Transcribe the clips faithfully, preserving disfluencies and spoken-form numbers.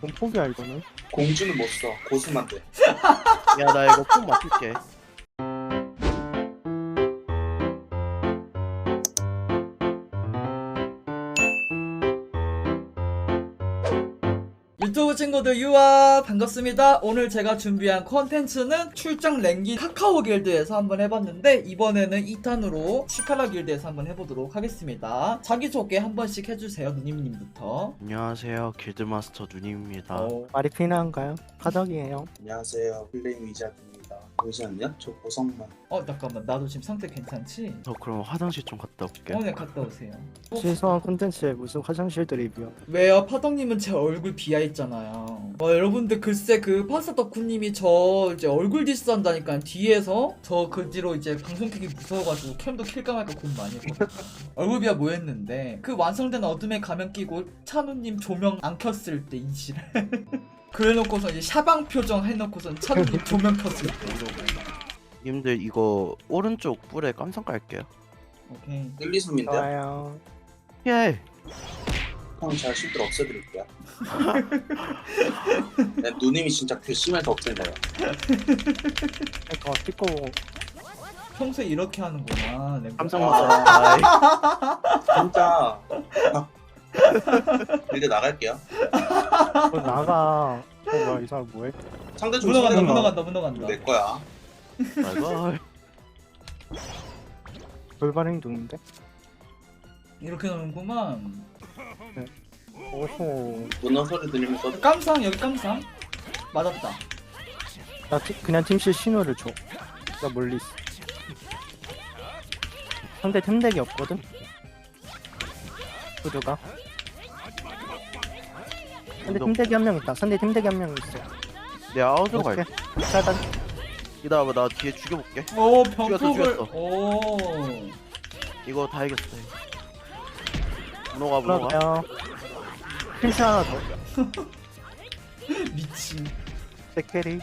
좀 포기야 이거는. 공주는 못 써. 고수만 돼. 야 나 이거 꼭 맡길게. 유튜브 친구들 유아 반갑습니다. 오늘 제가 준비한 컨텐츠는 출장 랭기 카카오 길드에서 한번 해봤는데 이번에는 이 탄으로 시카라 길드에서 한번 해보도록 하겠습니다. 자기소개 한 번씩 해주세요. 누님님부터. 안녕하세요, 길드마스터 누님입니다. 어, 말이 필요한가요? 가덕이에요. 안녕하세요. 플레임 위자드입니다. 잠시만요. 저 보성만. 어 잠깐만 나도 지금 상태 괜찮지? 저 그럼 화장실 좀 갔다 올게. 어 네 갔다 오세요. 어, 실수한 콘텐츠에 무슨 화장실 드립이요. 왜요? 파덕님은 제 얼굴 비하했잖아요. 어, 여러분들 글쎄 그 파스타 덕후님이 저 이제 얼굴 디스한다니까 뒤에서 저 그 뒤로 이제 방송 켜기 무서워가지고 캠도 킬까 말까 고민 많이 했거든요. 얼굴 비하 뭐 했는데 그 완성된 어둠의 가면 끼고 찬우님 조명 안 켰을 때 이질 그래놓고서 이제 샤방 표정 해놓고선 찬우님 조명 켰을 때 이러고. 님들 이거 오른쪽 뿔에 깜상 깔게요. 오케이. 일, 이 숨인데요. 좋아요. 예. 형 제가 실들 없애드릴게요. 네, 누님이 진짜 괘씸해서 없앤다요. 그러니까 찍고 평소에 이렇게 하는구나. 네. 깜짝 아. 놀랐다. 진짜. 이제 나갈게요. 뭐 나가. 어 뭐야 이 사람 뭐해? 상대 좀 문어간다 손해가 문어간다 문어간다. 내 거야. 말가. 돌발 행동인데? 이렇게 노는구만. 오호. 문어 소리 들리면서 깜상 여기 깜상 맞았다. 나 티, 그냥 팀실 신호를 줘. 나 멀리 있어. 상대 템덱이 없거든? 구두가. 상대 템덱이 한 명 있다. 상대 템덱이 한 명 있어. 내 아웃으로 갈게. 오케이. 차단. 기다려봐, 나 뒤에 죽여볼게. 오 죽였어, 병폭을 죽였어. 오 이거 다 이겼어. 문어가 문어가. 그러면 핀스 하나 더. 미친. 세캐리.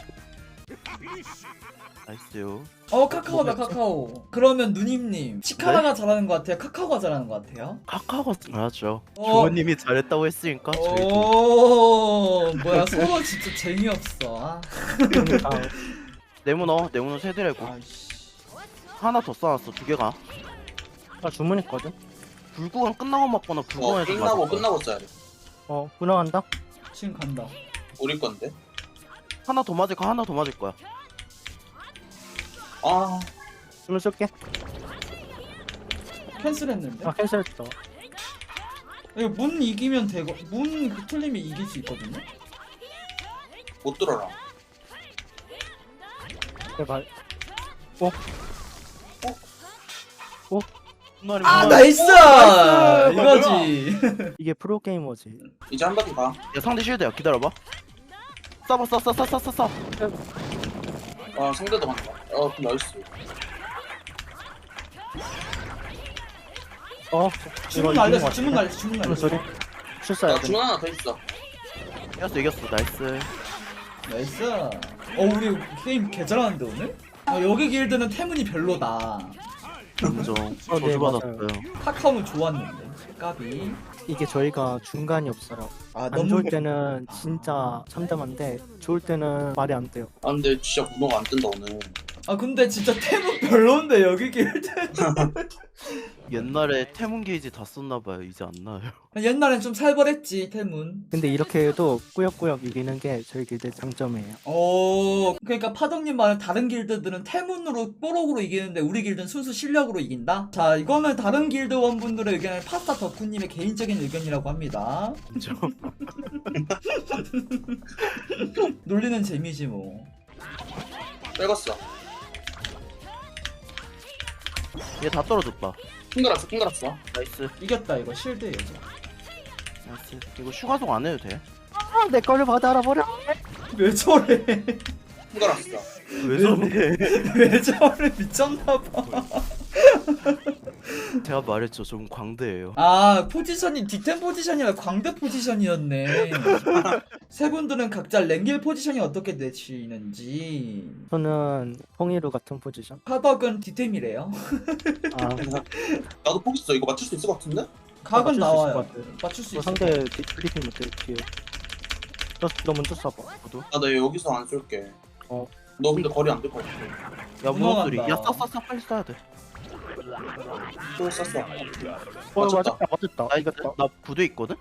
나이스요. 어 카카오다 카카오. 그러면 누님님 치카라가 잘하는 것 같아요? 카카오가 잘하는 것 같아요? 카카오가 잘하죠. 어. 부모님이 잘했다고 했으니까 저희도. 오 뭐야 서로 진짜 재미없어. 아. 아, 내 문어, 내 문어 세 드래고. 아이씨. 하나 더 써놨어, 두 개가. 나 주문했거든? 불구간 끝나고 맞거나 어, 불구간에서 끝나고 끝나고 써야 돼. 어, 분화간다? 지금 간다. 우리 건데. 하나 더 맞을 거 하나 더 맞을 거야. 아, 주문 쏠게. 캔슬했는데? 아, 캔슬했어. 이거 문 이기면 되고 문 틀리면 이길 수 있거든요? 못 들어라. 제발. 분말이 아 분말. 나이스! 나이스! 이거지. 이게 프로게이머지. 이제 한 바퀴 가. 야 상대 쉴드야, 기다려봐. 써봐 써 써 써 써 써 써. 아, 상대도 간다. 어, 나이스. 어, 주문 이거 이기는 날렸어 것 주문 같은데? 날렸어 주문 주문 날렸어. 소리. 출사야 야, 돼. 주문 하나 더 있어. 이겼어 이겼어 나이스. 나이스. 어 우리 게임 개 잘하는데 오늘? 어, 여기 길드는 태문이 별로다. 인정. 어, 네, 저주 받았어요. 카카오는 좋았는데. 까비. 이게 저희가 중간이 없어요. 아 안 좋을 때는 진짜 참담한데 좋을 때는 말이 안 돼요. 아, 근데 진짜 문어가 안 뜬다, 오늘. 아 근데 진짜 태문 별론데 여기 길드. 옛날에 태문 게이지 다 썼나봐요. 이제 안 나요. 옛날엔 좀 살벌했지 태문. 근데 이렇게 해도 꾸역꾸역 이기는 게 저희 길드의 장점이에요. 어 그러니까 파덕님 말은 다른 길드들은 태문으로 뽀록으로 이기는데 우리 길드는 순수 실력으로 이긴다? 자 이거는 다른 길드원분들의 의견을 파스타 덕후님의 개인적인 의견이라고 합니다. 인정. 놀리는 재미지 뭐. 빼갔어. 얘 다 떨어졌다. 핑 갈았어, 핑 갈았어. 나이스 이겼다 이거 실드 이거. 나이스. 이거 슈가송 안 해도 돼? 아, 내 거를 받아 알아버려. 왜 저래? 핑 갈았어. 왜 저래? 왜 저래? 미쳤나봐. 제가 말했죠. 좀 광대예요. 아 포지션이 디템 포지션이라 광대 포지션이었네. 세 분들은 각자 랭길 포지션이 어떻게 되시는지. 저는 홍이루 같은 포지션. 파덕은 디템이래요. 아, 나도 포기 써. 이거 맞출 수 있을 것 같은데? 각은 맞출 수 있을 나와요. 것 같아요. 맞출 수 뭐 있어. 상대 디- 브리핑 못해 뒤에. 너, 너 먼저 쏴봐. 저도. 아, 나 여기서 안 쏠게. 어. 너 근데 거리 안 될 것 같아. 야 문어 소리. 넘어간다. 야쏴쏴쏴 빨리 쏴야 돼. 또 쐈어. 어 맞췄다. 맞았다 맞았다. 나 이겼다. 나 부대 있거든.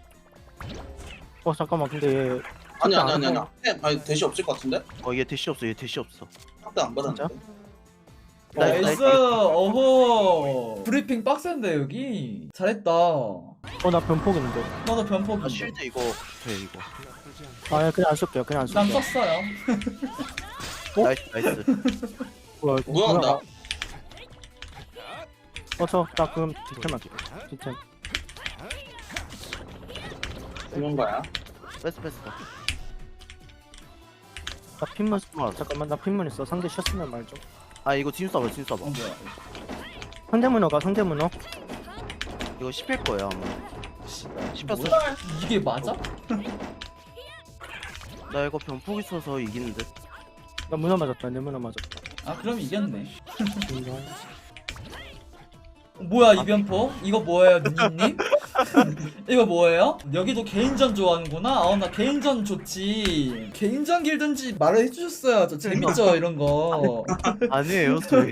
어 잠깐만 근데 얘 아니 아니 안 아니 아니. 해. 해. 아니 대시 없을 것 같은데? 어얘 대시 없어. 얘 대시 없어. 상대 안 받았는데. 나이스, 나이스. 나이스. 어허. 브리핑 빡센데 여기. 잘했다. 어나 변폭인데. 나도 아 변폭인데. 쉴드 이거 돼 이거. 아 그냥 안 쏠게요. 그냥 안 난 쏠게요. 썼어요. 어? 나이스 나이스. 뭐야 이거. 뭐야 나? 어저나 그럼 뒷템 할게. 뒷템. 그런 거야? 패스 패스. 나 핀문 아, 잠깐만 나 핀문 있어. 상대 셨으면 말 좀. 아 이거 지금 쏴봐 지금 어 쏴봐. 뭐야. 상대 문어가 상대 문어. 이거 씹힐 거예요 아마. 씹혔어. 뭐야? 이게 맞아? 나 이거 변폭 있어서 이기는 듯. 나 문어 맞았다. 내 문어 맞았다. 아 그럼 이겼네. 인정. 뭐야 이 변포? 이거 뭐예요 누님? 이거 뭐예요? 여기도 개인전 좋아하는구나? 어 나 개인전 좋지. 개인전 길든지 말을 해주셨어요. 저 재밌죠 이런 거. 아니에요 저희.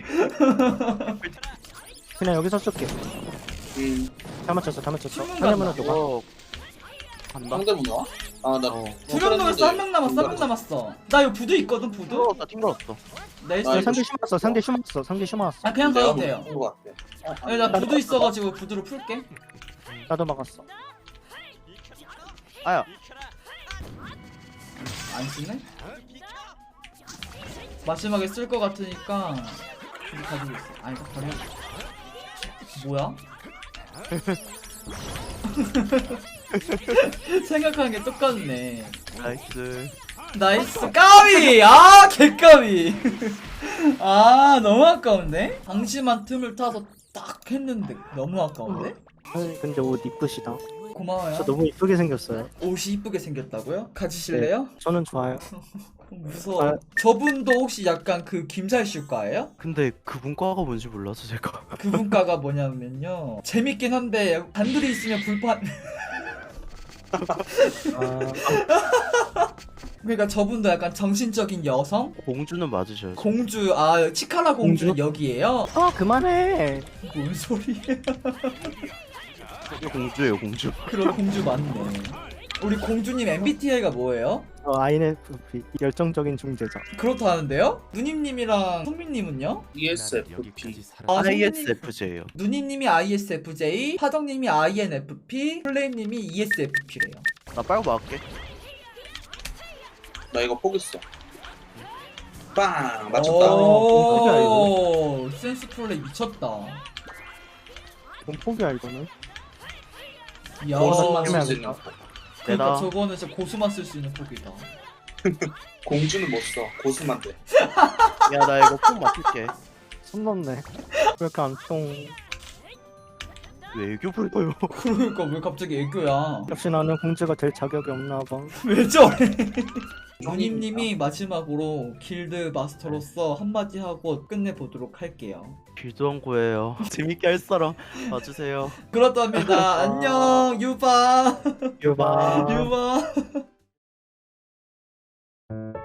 그냥 여기서 쏠게. 음. 다 맞췄어 다 맞췄어. 신문 상대 문어 간다. 도가. 이거 간다. 상대 문화? 아, 나 어. 두 명 남았어 한 명 남았어 한 명 남았어. 나 이거 부두 있거든 부두. 튕걸었다 튕걸었어. 나이스. 아, 야, 이거 상대 시- 심었어. 상대 심었어. 상대 심었어. 아 그냥 내가 가도 돼요. 못한 것 같아. 아니 나 부두 있어가지고 부두로 풀게. 나도 막았어. 아야. 안 쓰네? 마지막에 쓸 것 같으니까 부두 가지고 있어. 아 이거 버려. 뭐야? 생각하는 게 똑같네. 나이스. 나이스 까비! 아 개까비! 아 너무 아까운데? 방심한 틈을 타서 딱 했는데 너무 아까운데? 아니, 근데 옷 이쁘시다. 고마워요. 저 너무 이쁘게 생겼어요. 옷이 이쁘게 생겼다고요? 가지실래요? 저는 좋아요. 무서워. 아. 저분도 혹시 약간 그 김살실과예요? 근데 그 문과가 뭔지 몰라서 제가. 그분과가 뭐냐면요. 재밌긴 한데 단둘이 있으면 불판. 아, 그러니까 저분도 약간 정신적인 여성? 공주는 맞으셔야죠. 공주 아 치카라 공주는 공주? 여기에요? 아 그만해. 뭔 소리야? 이거 공주예요 공주. 그럼 공주 맞네. 우리 공주님 엠비티아이가 뭐예요? 어, 아이엔에프피 열정적인 중재자. 그렇다는데요? 누님님이랑 성민님은요? 이에스에프피. 아, 성민님- 아이에스에프제예요. 누님님이 아이에스에프제이, 하정님이 아이엔에프피, 플레임님이 이에스에프피래요. 나 빨고 막을게. 나 이거 포기했어. 빵! 맞췄다. 오, 센스 플레이 미쳤다. 그럼 포기야 이거는. 야, 고수만 해야겠다. 쓸수 있는 거. 그러니까 내가 저거는 진짜 고수만 쓸 수 있는 폭이다. 공주는 못 써. 고수만 돼. 야 나 이거 꼭 맞출게. 손 넣네. 왜 이렇게 안 통? 왜 애교 불러요? 그러니까 왜 갑자기 애교야? 역시 나는 공주가 될 자격이 없나 봐. 왜 저래? 누님님이 마지막으로 길드 마스터로서 한마디 하고 끝내보도록 할게요. 길드원고예요. 재밌게 할 사람 봐주세요. 그렇답니다. 안녕, 유바. 유바. 유바.